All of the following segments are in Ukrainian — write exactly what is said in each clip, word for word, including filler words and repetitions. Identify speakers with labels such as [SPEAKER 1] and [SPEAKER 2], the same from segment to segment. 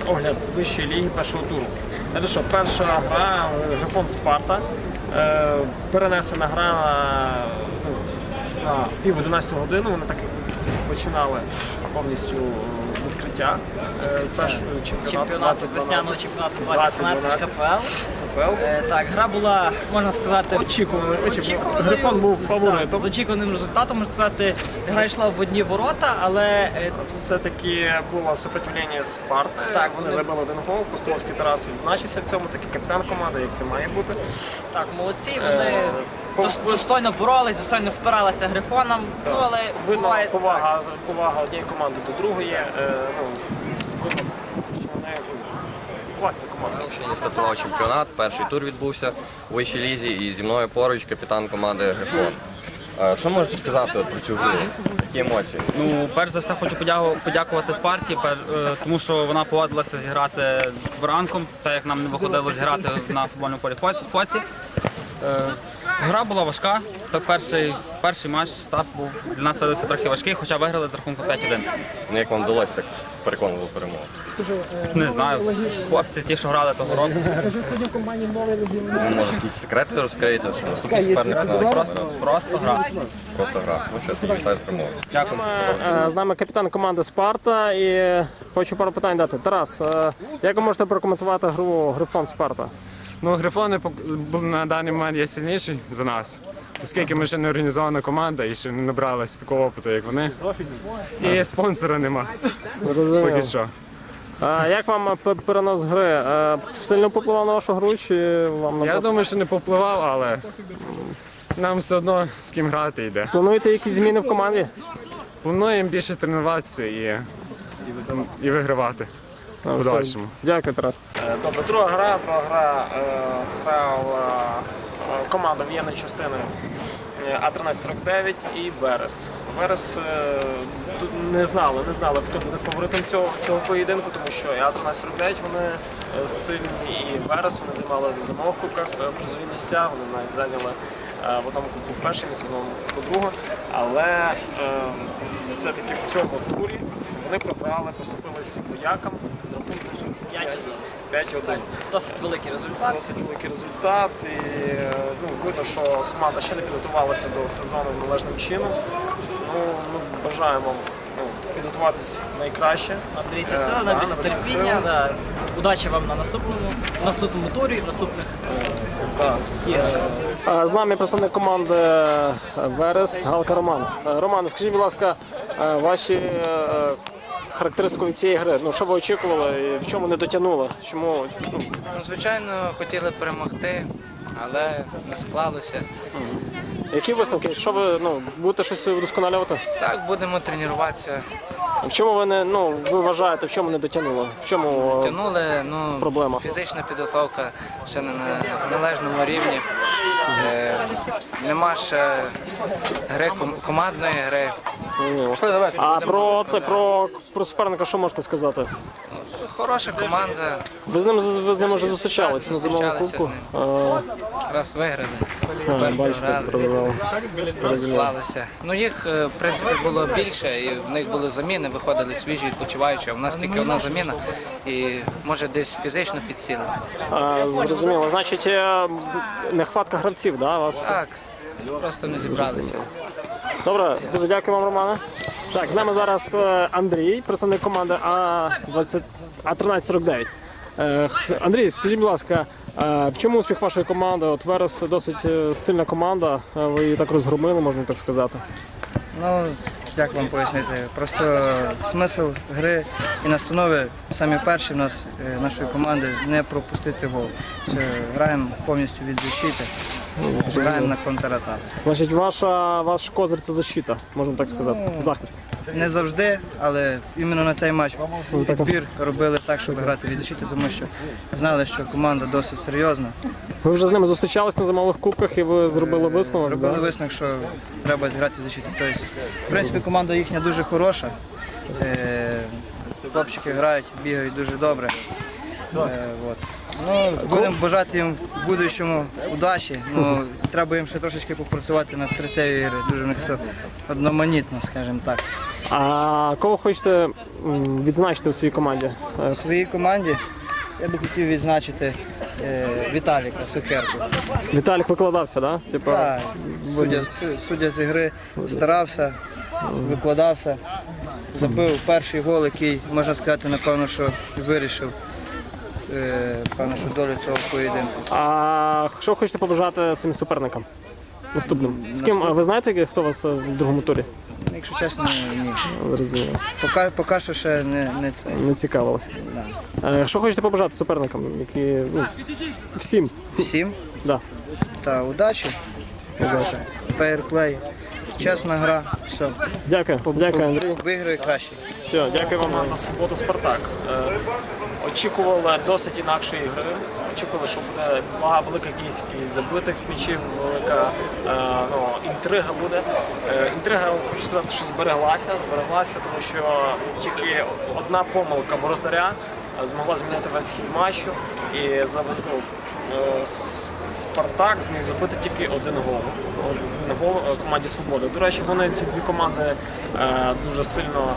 [SPEAKER 1] огляд вищої ліги першого туру. Це що, перша гра Грифон Спарта. Е, перенесена гра на, ну, на пів одинадцяту годину. Вони так починали повністю відкриття першого
[SPEAKER 2] чемпіонату, весняного чемпіонату двадцять дванадцять КФЛ. Е, так, гра була, можна сказати,
[SPEAKER 1] очікувана. очікувана. Грифон був фаворитом.
[SPEAKER 2] З очікуваним результатом, можна сказати, гра йшла в одні ворота, але е,
[SPEAKER 1] все-таки було супротивлення Спарти. Так, вони забили один гол. Пустовський Тарас відзначився в цьому, такий капітан команди, як це має бути.
[SPEAKER 2] Так, молодці, вони е, достойно боролись, достойно впиралися Грифоном. Ну, але
[SPEAKER 1] видно,
[SPEAKER 2] буває,
[SPEAKER 1] повага, повага однієї команди до другої. Е, ну, видно, що вони класні команди.
[SPEAKER 3] Сьогодні стартував чемпіонат, перший тур відбувся у вищій лізі, і зі мною поруч капітан команди Грифон. Що можете сказати от про цю гру? Які емоції?
[SPEAKER 4] Ну, перш за все хочу подякувати Спарті, тому що вона погодилася зіграти з ранком, так як нам не виходило зіграти на футбольному полі Фоці. Гра була важка, так перший, перший матч, старт був для нас видався трохи важкий, хоча виграли з рахунку п'ять один.
[SPEAKER 3] Ну, як вам вдалося так переконливо перемогу?
[SPEAKER 4] Не знаю, хлопці ті, що грали того року.
[SPEAKER 3] Ну, може, якісь секрети розкриєте, що наступний суперник на
[SPEAKER 4] Просто, просто гра.
[SPEAKER 3] Просто гра. Ну що ж, тоді вітаю з перемогою.
[SPEAKER 4] Дякую.
[SPEAKER 1] З нами капітан команди Спарта і хочу пару питань дати. Тарас, як ви можете прокоментувати гру Грифон Спарта?
[SPEAKER 5] Ну, Грифони на даний момент є сильніші за нас, оскільки ми ще не організована команда і ще не набралися такого опиту, як вони. І спонсора нема. Поки що.
[SPEAKER 1] А як вам перенос гри? Сильно попливав на вашу гру? Чи вам
[SPEAKER 5] Я думаю, що не попливав, але нам все одно з ким грати йде.
[SPEAKER 1] Плануєте якісь зміни в команді?
[SPEAKER 5] Плануємо більше тренуватися і, і вигравати. В подальшому.
[SPEAKER 1] Дякую, Тарас. Добре, друга гра, друга гра грала команда воєнної частини А тринадцять сорок дев'ять і Верес. Верес не знали, не знали, хто буде фаворитом цього, цього поєдинку, тому що А тринадцять сорок дев'ять вони сильні, і Верес, вони займали в зимових кубках призові місця, вони навіть зайняли в одному кубку перше місце, в одному кубку друге, але все-таки в цьому турі вони програли, поступились воякам з рахунком п'ять один.
[SPEAKER 2] Досить великий результат.
[SPEAKER 1] Досить великий результат. І ну, видно, що команда ще не підготувалася до сезону належним чином. Ну, ми бажаємо ну, підготуватись найкраще.
[SPEAKER 2] Наберіться сили, наберіться терпіння. Да. Удачі вам на наступному, наступному турі, в наступних
[SPEAKER 1] да. іграх. З нами представник команди Верес, Галка Роман. Роман, скажіть, будь ласка, ваші характеристику від цієї гри. Ну, що ви очікували і в чому не дотягнули? Чому?
[SPEAKER 6] Ну, звичайно, хотіли перемогти, але не склалося.
[SPEAKER 1] Які висновки? Що ви ну, будете щось вдосконалювати?
[SPEAKER 6] Так, будемо тренуватися.
[SPEAKER 1] В чому ви не ну ви вважаєте, в чому не дотягнули? В чому
[SPEAKER 6] Тягнули, ну,
[SPEAKER 1] проблема?
[SPEAKER 6] Фізична підготовка ще не на належному рівні. Е, нема ще гри командної гри.
[SPEAKER 1] А про це про, про суперника що можете сказати?
[SPEAKER 6] Хороша команда.
[SPEAKER 1] Ви з ним ви з ним вже зустрічались на зимовому кубку?
[SPEAKER 6] Раз виграли.
[SPEAKER 1] А, бачите, програли.
[SPEAKER 6] Розклалися. Ну їх в принципі було більше, і в них були заміни, виходили свіжі, відпочиваючі. А в нас тільки одна заміна, і може десь фізично підсіли.
[SPEAKER 1] Зрозуміло. Значить, нехватка гравців, да, вас?
[SPEAKER 6] Так, просто не зібралися.
[SPEAKER 1] Добре, дуже дякую вам, Романе. Так, з нами зараз Андрій, представник команди А тринадцять сорок дев'ять. Андрій, скажіть, будь ласка, в чому успіх вашої команди? От Верес досить сильна команда, ви її так розгромили, можна так сказати.
[SPEAKER 7] Ну, як вам пояснити? Просто смисл гри і настанови самі перші в нас, нашої команди, не пропустити гол. Це граємо повністю від защити, граємо на контратаку.
[SPEAKER 1] Значить, ваша, ваш козир – це защита, можна так сказати, захист.
[SPEAKER 7] Не завжди, але іменно на цей матч підбір робили так, щоб грати від защити, тому що знали, що команда досить серйозна.
[SPEAKER 1] Ви вже з ними зустрічались на зимових кубках і ви зробили висновок?
[SPEAKER 7] Зробили
[SPEAKER 1] да?
[SPEAKER 7] висновок, що треба зіграти від защити. Тобто, в принципі, команда їхня дуже хороша. Хлопчики грають, бігають дуже добре. От. Ну, будемо бажати їм в будущому удачі. Ну, треба їм ще трошечки попрацювати на стратегії ігри. Дуже в них все одноманітно, скажімо так.
[SPEAKER 1] А кого хочете м, відзначити у своїй команді? Е,
[SPEAKER 7] В своїй команді я би хотів відзначити е, Віталіка Сухерку.
[SPEAKER 1] Віталік викладався, да? Типа,
[SPEAKER 7] Так, суддя, су- суддя з ігри старався, викладався, забив перший гол, який, можна сказати, напевно, що вирішив е, певно, що долю цього поєдинку.
[SPEAKER 1] А що хочете побажати своїм суперникам наступним? З ким, а ви знаєте, хто у вас в другому турі?
[SPEAKER 7] Якщо чесно, ні.
[SPEAKER 1] Зрозуміло.
[SPEAKER 7] Поки, поки що ще не, не це.
[SPEAKER 1] Не цікавилося.
[SPEAKER 7] Да.
[SPEAKER 1] Е, Що хочете побажати суперникам, які, ну, всім?
[SPEAKER 7] Всім
[SPEAKER 1] Да.
[SPEAKER 7] та удачі,
[SPEAKER 1] Удачі.
[SPEAKER 7] фейерплей, чесна гра, все.
[SPEAKER 1] Дякую, дякую, Андрій.
[SPEAKER 7] Виграє краще.
[SPEAKER 1] Все, дякую вам. На свободу Спартак. Е, Очікували досить інакшої гри. Очікували, що буде багато велика кількість якихось забитих м'ячів, велика е, ну, інтрига буде. Е, Інтрига, хочу сказати, що збереглася, збереглася, тому що тільки одна помилка воротаря е, змогла змінити весь хід матчу. І за ну, е, с- Спартак зміг забити тільки один гол. Один гол е, команді Свобода. До речі, вони ці дві команди е, дуже сильно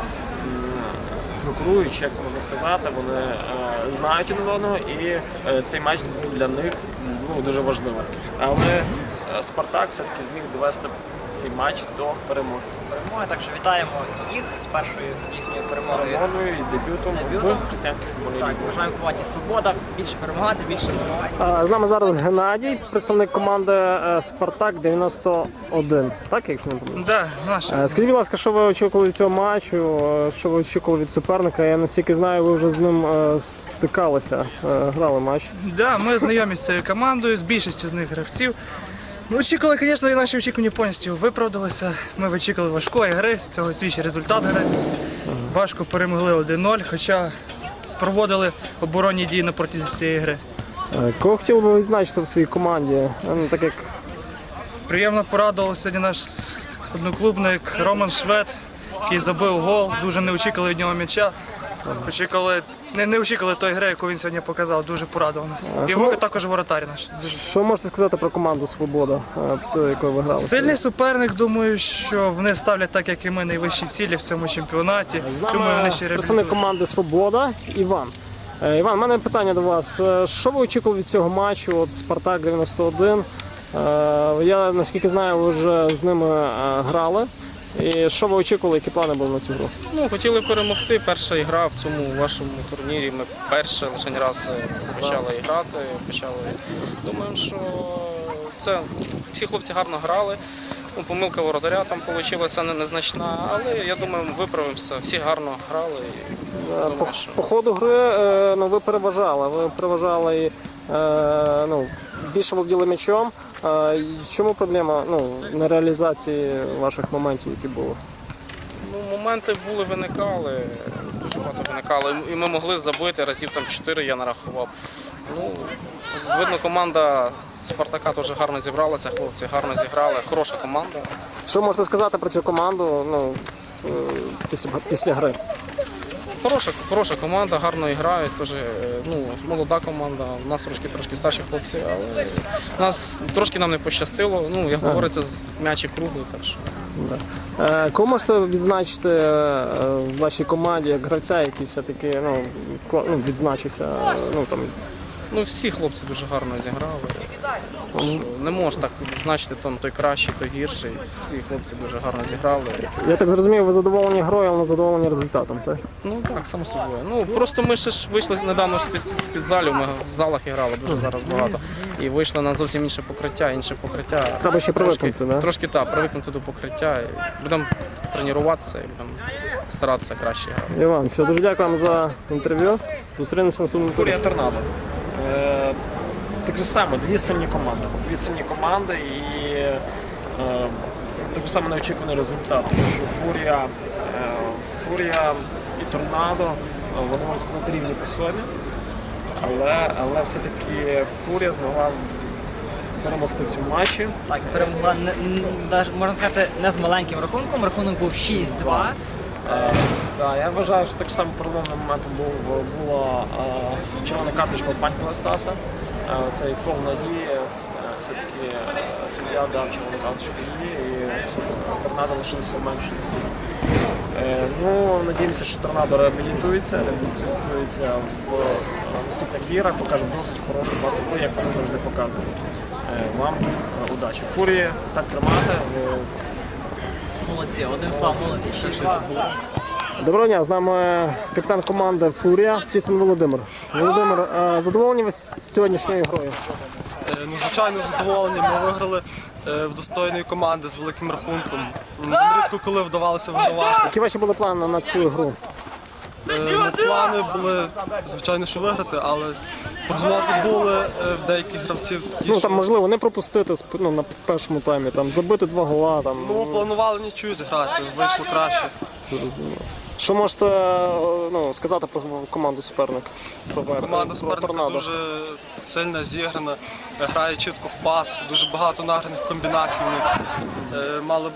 [SPEAKER 1] конкурують, як це можна сказати, вони е, знають один одного, і е, цей матч був для них ну, дуже важливим. Але е, Спартак все-таки зміг довести цей матч до перемоги.
[SPEAKER 2] Перемоги, так що вітаємо їх з першою їхньою перемогою.
[SPEAKER 1] Перемогою і дебютом,
[SPEAKER 2] Дебютом.
[SPEAKER 1] в християнській футбольній
[SPEAKER 2] Так,
[SPEAKER 1] лізі.
[SPEAKER 2] бажаємо команді Свобода більше перемагати, більше здобувати.
[SPEAKER 1] А, З нами зараз Геннадій, представник команди е, Спартак дев'яносто один. Так, якщо не помиляюсь?
[SPEAKER 8] Да, наш.
[SPEAKER 1] Е, Скажіть, будь ласка, що ви очікували від цього матчу, е, що ви очікували від суперника? Я наскільки знаю, ви вже з ним е, стикалися, е, грали матч.
[SPEAKER 8] Да, ми знайомі з цією командою, з більшістю з них гравців. Ми очікували, звісно, і наші очікування повністю виправдалися. Ми очікували важкої гри, з цього свідчить результат гри. Важко перемогли один нуль, хоча проводили оборонні дії на протязі цієї гри.
[SPEAKER 1] Е, Кого хотіли би відзначити в своїй команді? Е, Ну, так як
[SPEAKER 8] Приємно порадував сьогодні наш одноклубник Роман Швед, який забив гол, дуже не очікували від нього м'яча. Очікували, не, не очікували тої гри, яку він сьогодні показав, дуже порадував нас.
[SPEAKER 1] А
[SPEAKER 8] І
[SPEAKER 1] що-
[SPEAKER 8] во- також воротар наш.
[SPEAKER 1] що можете сказати про команду Свобода, е, проти якої ви грали?
[SPEAKER 8] Сильний суперник, думаю, що вони ставлять так, як і ми, найвищі цілі в цьому чемпіонаті.
[SPEAKER 1] З
[SPEAKER 8] Думаю,
[SPEAKER 1] нами
[SPEAKER 8] вони ще
[SPEAKER 1] представник
[SPEAKER 8] реабілітують.
[SPEAKER 1] команди Свобода Іван. Е, Іван, в мене питання до вас. Е, Що ви очікували від цього матчу? От Спартак дев'яносто один. Е, Я наскільки знаю, ви вже з ними е, грали. І що ви очікували, які плани були на цю гру?
[SPEAKER 9] Ну, хотіли перемогти. Перша ігра в цьому вашому турнірі. Ми перше лише раз е, почали грати. Почали. Думаємо, що це всі хлопці гарно грали. Ну, помилка воротаря там вийшла не- незначна, але я думаю, ми виправимося. Всі гарно грали. І
[SPEAKER 1] Е, По,
[SPEAKER 9] думаю, що...
[SPEAKER 1] по ходу гри е, ну, ви переважали. Ви переважали і е, ну, більше володіли м'ячом. Е, і Чому проблема ну, на реалізації ваших моментів, які були?
[SPEAKER 9] Ну, моменти були, виникали, дуже багато виникали. І ми могли забити, разів там чотири я нарахував. Ну, видно, команда Спартака теж гарно зібралася, хлопці гарно зіграли, хороша команда.
[SPEAKER 1] Що можете сказати про цю команду ну, е, після, після гри?
[SPEAKER 9] Хороша, хороша команда, гарно грають, теж, е, ну, молода команда, у нас трошки трошки старші хлопці, але нас трошки нам не пощастило. Ну, як говориться, з м'ячі круглий, так що.
[SPEAKER 1] Е, Кого можете відзначити е, в вашій команді як гравця, який все-таки ну, кла- ну, відзначився? е, Ну, там,
[SPEAKER 9] Ну, всі хлопці дуже гарно зіграли. Що не можеш так відзначити, там той кращий, той гірший. Всі хлопці дуже гарно зіграли.
[SPEAKER 1] я так зрозумів, ви задоволені грою, але не задоволені результатом, так?
[SPEAKER 9] Ну так, само собою. Ну просто ми ще ж вийшли недавно з-під з-під залів, ми в залах грали дуже зараз багато. І вийшли на зовсім інше покриття, інше покриття.
[SPEAKER 1] Треба ще
[SPEAKER 9] Трошки-
[SPEAKER 1] привикнути, да?
[SPEAKER 9] Трошки так, привикнути до покриття. І будемо тренуватися і будемо старатися краще грати.
[SPEAKER 1] Іван, все, дуже дякую вам за інтерв'ю. Зустрінемося на наступному турі. Фурія Торнадо. Е, Так же само, дві сильні команди. Дві сильні команди і е, так само неочікуваний результат. Тому що Фурія, е, Фурія і Торнадо, е, вони, можна сказати, рівні по собі. Але, але все-таки Фурія змогла перемогти в цьому матчі.
[SPEAKER 2] Так, перемогла не, н- даже, можна сказати, не з маленьким рахунком. Рахунок був шість-два.
[SPEAKER 1] Е, да, я вважаю, що так само переломним моментом був, була е, червона карточка від Панька Стаса. Е, цей фол надії. Е, все-таки е, суддя дав червону карточку її і Торнадо лишилося в меншості. Е, Ну, надіємося, що торнадо реабілітується, реабілітується в наступних іграх, покаже досить хорошу наступу, як вони завжди показують. Е, Вам е, удачі. Фурії, так тримати. Ви
[SPEAKER 2] Молодці, одним словом, молодці. шість два.
[SPEAKER 1] Доброго дня, з нами капітан команди Фурія Птицин Володимир. Володимир, е, задоволені ви сьогоднішньою грою?
[SPEAKER 10] Е, Ну, звичайно, задоволені. Ми виграли е, в достойної команди з великим рахунком. Нам рідко коли вдавалося вигравати.
[SPEAKER 1] Які ваші були плани на цю гру?
[SPEAKER 10] Е, ну, плани були, звичайно, що виграти, але прогнози були е, в деяких гравців такі,
[SPEAKER 1] Ну
[SPEAKER 10] що...
[SPEAKER 1] там можливо не пропустити сп- ну, на першому таймі, там забити два гола. Там
[SPEAKER 10] Ну, планували нічого зіграти, вийшло краще.
[SPEAKER 1] зрозуміло. Що можете е, ну, сказати про команду суперника? Про Вер-
[SPEAKER 10] Команда
[SPEAKER 1] про
[SPEAKER 10] суперника
[SPEAKER 1] «Торнадо»?
[SPEAKER 10] дуже сильна, зіграна, грає чітко в пас, дуже багато награних комбінацій в них. Е, Мали б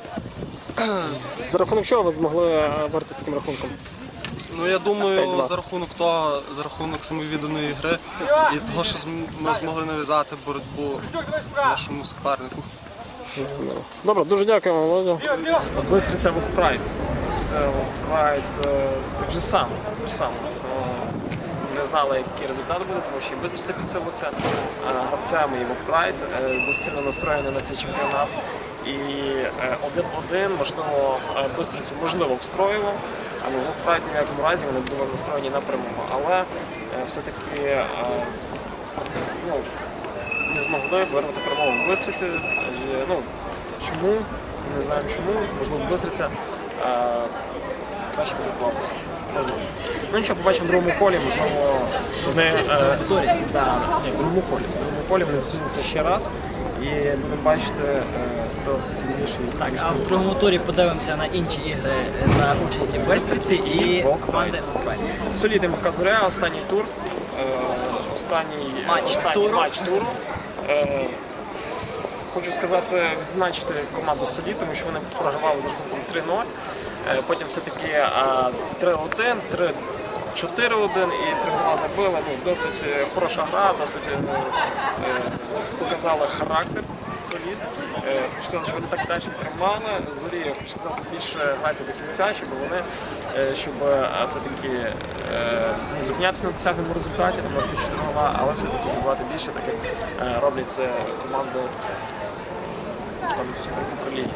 [SPEAKER 1] За рахунок чого ви змогли е, виграти з таким рахунком?
[SPEAKER 10] Ну, я думаю,
[SPEAKER 1] п'ять-два.
[SPEAKER 10] за рахунок того, за рахунок самовідданої гри і того, що зм- ми змогли нав'язати боротьбу нашому супернику.
[SPEAKER 1] Добре, дуже дякуємо, Володя. Бистриця Вокпрайд. Бистриця Вокпрайд так же само, так же само. Е, Не знали, який результат буде, тому що і Бистриця підсилилася е, гравцями, і Вокпрайд е, був сильно настроєний на цей чемпіонат. І е, один-один, можливо, е, Бистрицю можливо встроював, але Вокпрайд ні в якому разі вони були настроєні на перемогу. Але е, все-таки е, ну, не змогли вирвати перемогу в Бистриці. Адже, ну, чому? Не знаємо чому. Можливо, Бистриця е, краще підготувалася. Можливо. Ну нічого, побачимо в другому колі, можливо, вони е, да, ні, в другому колі. В другому колі вони зустрінуться ще раз і будемо бачити, е, хто сильніший.
[SPEAKER 2] Так, а в другому турі подивимося на інші ігри за участі Бистриці і команди Вокпрайд.
[SPEAKER 1] Солідний Махка Зоря, останній тур. Е, останній
[SPEAKER 2] Матч
[SPEAKER 1] останній
[SPEAKER 2] туру.
[SPEAKER 1] матч туру. Е, Хочу сказати, відзначити команду Солід, тому що вони програвали за рахунком три нуль. Е, Потім все-таки е, три один, три чотири один і три гола забили. Ну, досить е, хороша гра, досить е, е, показала характер Солід. Е, Хочу сказати, що вони так далі тримали. Зорі, я хочу сказати, більше грати до кінця, щоб вони, е, щоб е, все-таки е, не зупинятися на досягненому результаті, там на чотири гола, але все-таки забивати більше, так як е, роблять це команди там суперуправління.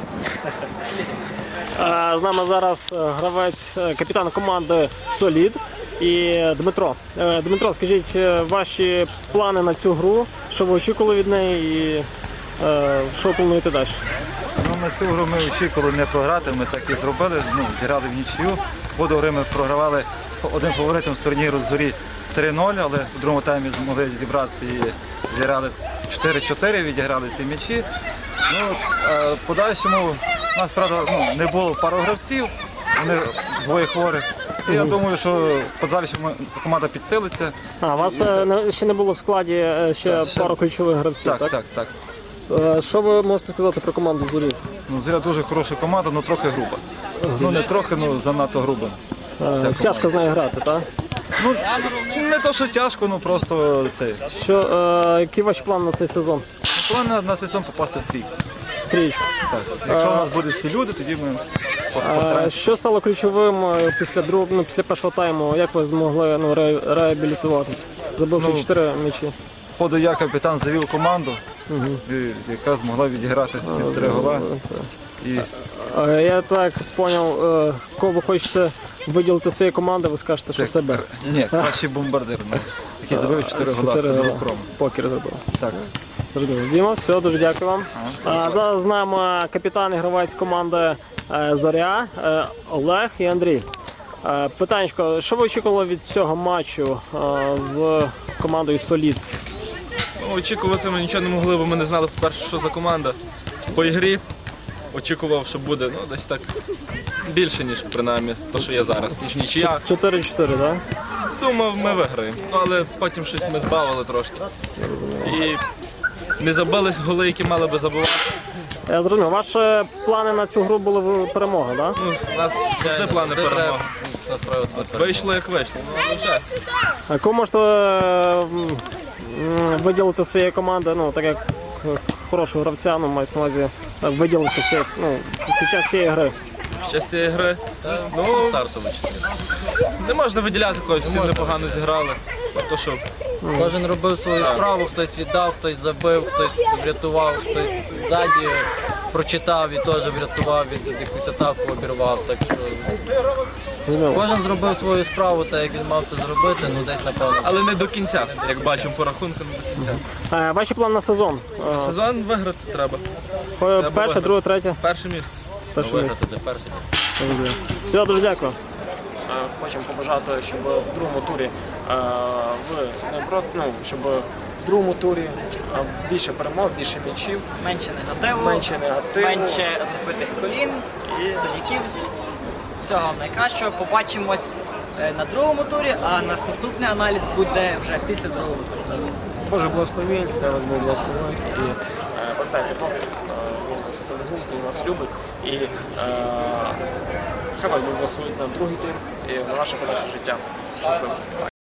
[SPEAKER 1] З нами зараз гравець, капітан команди Солід і Дмитро. Е, Дмитро, скажіть, е, ваші плани на цю гру, що ви очікували від неї і е, що ви плануєте далі?
[SPEAKER 11] Ну, на цю гру ми очікували не програти, ми так і зробили, ну, зіграли в нічию. В ходу гри ми програвали один фаворитом з турніру «Зорі» три нуль, але в другому таймі змогли зібратися і зіграли чотири чотири, відіграли ці м'ячі. Ну, а в подальшому у нас, правда, ну, не було пару гравців, вони двоє хворих. І я думаю, що в подальшому команда підсилиться.
[SPEAKER 1] А, у вас е, не- ще не було в складі е, ще
[SPEAKER 11] Так, ще-
[SPEAKER 1] пару ключових гравців,
[SPEAKER 11] Так,
[SPEAKER 1] так?
[SPEAKER 11] так, так.
[SPEAKER 1] Е, Що ви можете сказати про команду Зорі?
[SPEAKER 11] Ну, «Зоря» дуже хороша команда, але трохи груба. Ну, не трохи, ну занадто груба.
[SPEAKER 1] Е, Тяжко з нею грати, так?
[SPEAKER 11] Ну, не то, що тяжко, ну просто це.
[SPEAKER 1] Що, е, які ваші плани на цей сезон?
[SPEAKER 11] План на, на сезон попасти в трійку.
[SPEAKER 1] Тріч.
[SPEAKER 11] Так. Якщо у нас будуть всі люди, тоді ми по-
[SPEAKER 1] Е,
[SPEAKER 11] постараємося.
[SPEAKER 1] Що стало ключовим е, після друг... ну, після першого тайму? Як ви змогли ну, ре... реабілітуватися? Забивши
[SPEAKER 11] Ну,
[SPEAKER 1] чотири м'ячі.
[SPEAKER 11] В ходу я капітан завів команду,
[SPEAKER 1] Угу.
[SPEAKER 11] і- яка змогла відіграти ці три гола. І
[SPEAKER 1] Е, Я так зрозумів, е, кого ви хочете виділити своєї команди, ви скажете, що
[SPEAKER 11] це
[SPEAKER 1] себе.
[SPEAKER 11] кр- Ні, кращий бомбардир, ну, який забив чотири гола.
[SPEAKER 1] Чотири
[SPEAKER 11] Федоров
[SPEAKER 1] гола.
[SPEAKER 11] Кром.
[SPEAKER 1] Покер забив.
[SPEAKER 11] Так.
[SPEAKER 1] Зрозуміло. Діма, все, дуже дякую вам.
[SPEAKER 11] Ага.
[SPEAKER 1] А, зараз з нами капітан і гравець команди е, Зоря е, Олег і Андрій. Е, Питанечко, що ви очікували від цього матчу е, з командою Солід?
[SPEAKER 12] Ну, очікувати ми нічого не могли, бо ми не знали, по-перше, що за команда. По ігрі очікував, що буде ну, десь так більше, ніж принаймні те, що є зараз, ніж нічия.
[SPEAKER 1] чотири чотири, так?
[SPEAKER 12] Думав, ми виграємо. Ну, але потім щось ми збавили трошки. І не забили голи, які мали би забивати.
[SPEAKER 1] Я зрозумів. Ваші плани на цю гру були в- перемога, так?
[SPEAKER 12] Ну, у нас завжди плани перемоги. Вийшло як вийшло, ну але вже.
[SPEAKER 1] А кого можете е, м, м, виділити своєї команди, ну, так як е, хорошого гравця, ну, мається на увазі, е, виділити всі, ну, під час цієї гри?
[SPEAKER 12] під час цієї гри. Ну, стартовий. Не можна виділяти когось, всі непогано зіграли. То, що...
[SPEAKER 13] Кожен робив свою
[SPEAKER 12] Так.
[SPEAKER 13] справу, хтось віддав, хтось забив, хтось врятував, хтось ззаді прочитав і теж врятував, від якусь атаку обірвав. Так що кожен зробив свою справу, так як він мав це зробити, ну десь напевно.
[SPEAKER 12] Але не до кінця, як бачимо по рахунку, не до кінця.
[SPEAKER 1] Е, Ваші плани на сезон? Е,
[SPEAKER 12] Сезон виграти треба.
[SPEAKER 1] Перше,
[SPEAKER 12] Треба виграти.
[SPEAKER 1] друге, третє?
[SPEAKER 12] Перше місце.
[SPEAKER 1] Перше
[SPEAKER 13] Виграти це перше.
[SPEAKER 1] Все, дуже дякую. Хочемо побажати, щоб в другому турі е, ви наоборот, ну, щоб в другому турі е, більше перемог, більше м'ячів,
[SPEAKER 2] Менше негативу,
[SPEAKER 1] менше негативу.
[SPEAKER 2] менше розбитих колін і синяків. Всього вам найкращого. Побачимось е, на другому турі, а наш наступний аналіз буде вже після другого туру.
[SPEAKER 1] Боже благословень, хай вас Бог благословить. І е, пам'ятайте, Бог, е, він все він вас любить. І е, хай вас Бог благословить на другий тур і на ваше подальше життя. Щасливо.